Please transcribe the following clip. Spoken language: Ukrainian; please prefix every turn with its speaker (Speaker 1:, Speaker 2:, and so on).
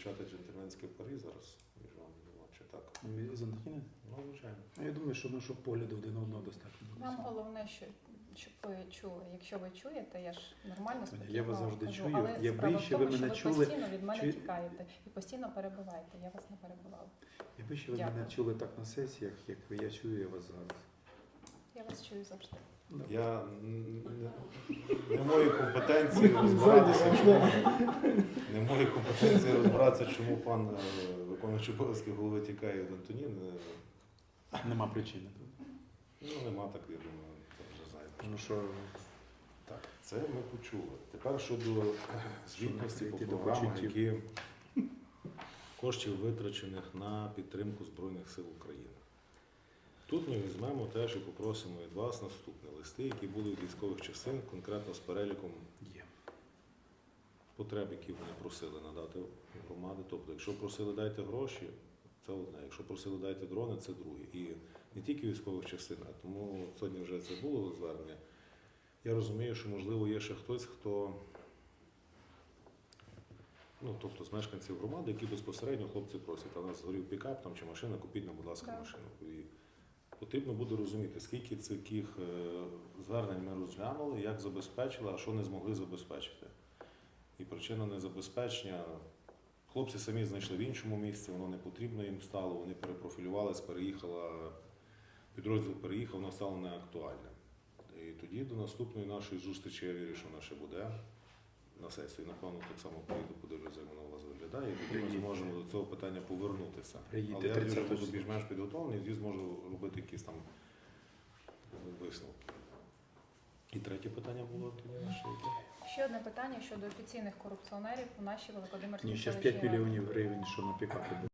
Speaker 1: почати джентльменські парі зараз між вами двома, чи так?
Speaker 2: З Антоніни?
Speaker 1: Ну, звичайно.
Speaker 2: Я думаю, що нашого погляду один одного достатньо.
Speaker 3: Вам головне, щоб ви чули. Якщо ви чуєте, я ж нормально, спокійно
Speaker 2: Я вас завжди
Speaker 3: кажу,
Speaker 2: чую.
Speaker 3: але
Speaker 2: Якби
Speaker 3: справа в
Speaker 2: ще
Speaker 3: тому,
Speaker 2: ви
Speaker 3: що
Speaker 2: мене
Speaker 3: ви
Speaker 2: чули,
Speaker 3: постійно від мене
Speaker 2: чи-
Speaker 3: тікаєте і постійно перебиваєте. Я вас не перебивала.
Speaker 2: Якби ще ви
Speaker 3: Дякую.
Speaker 2: мене чули так на сесіях, як я чую я вас зараз.
Speaker 3: Я вас чую завжди.
Speaker 1: Я не в моїй компетенції розбиратися, чому не в моїй компетенції розбиратися, чому пан виконуючий обов'язки голови тікає від Антоніни.
Speaker 2: Нема причини.
Speaker 1: Ну, нема так, я думаю, це вже знаєте.
Speaker 2: Тому що
Speaker 1: Так, це ми почули. Тепер щодо звітності по
Speaker 2: Які до
Speaker 1: програмах,
Speaker 2: почуттів.
Speaker 1: які коштів витрачених на підтримку Збройних сил України. Тут ми візьмемо теж і попросимо від вас наступне листи, які були від військових частин, конкретно з переліком
Speaker 2: є.
Speaker 1: потреб, які вони просили надати громади. Тобто, якщо просили дайте гроші, це одне. Якщо просили дайте дрони, це друге. І не тільки військових частин, а тому сьогодні вже це було звернення. Я розумію, що, можливо, є ще хтось, хто, ну, тобто з мешканців громади, які безпосередньо хлопці просять, а у нас згорів пікап там, чи машина, купіть нам, будь ласка,
Speaker 3: Так.
Speaker 1: машину. І потрібно буде розуміти, скільки таких звернень ми розглянули, як забезпечили, а що не змогли забезпечити. І причина незабезпечення. Хлопці самі знайшли в іншому місці, воно не потрібно їм стало, вони перепрофілювалися, підрозділ переїхав, воно стало неактуальним. І тоді до наступної нашої зустрічі, я вірю, що вона ще буде на сесії. Напевно, так само поїду, подивлюся, як вона у вас виглядає, і тоді ми зможемо до цього питання повернутися.
Speaker 2: Приїдьте
Speaker 1: Але я вірю, що
Speaker 2: 30
Speaker 1: буду більш-менш підготовлений, і тоді зможу робити якісь там висновки. І третє питання було тоді наше яке?
Speaker 3: Ще одне питання щодо офіційних корупціонерів у нашій Великодимирській
Speaker 2: Ні, ще ж
Speaker 3: селищній
Speaker 2: 5
Speaker 3: раді.
Speaker 2: мільйонів гривень, що на пікапі.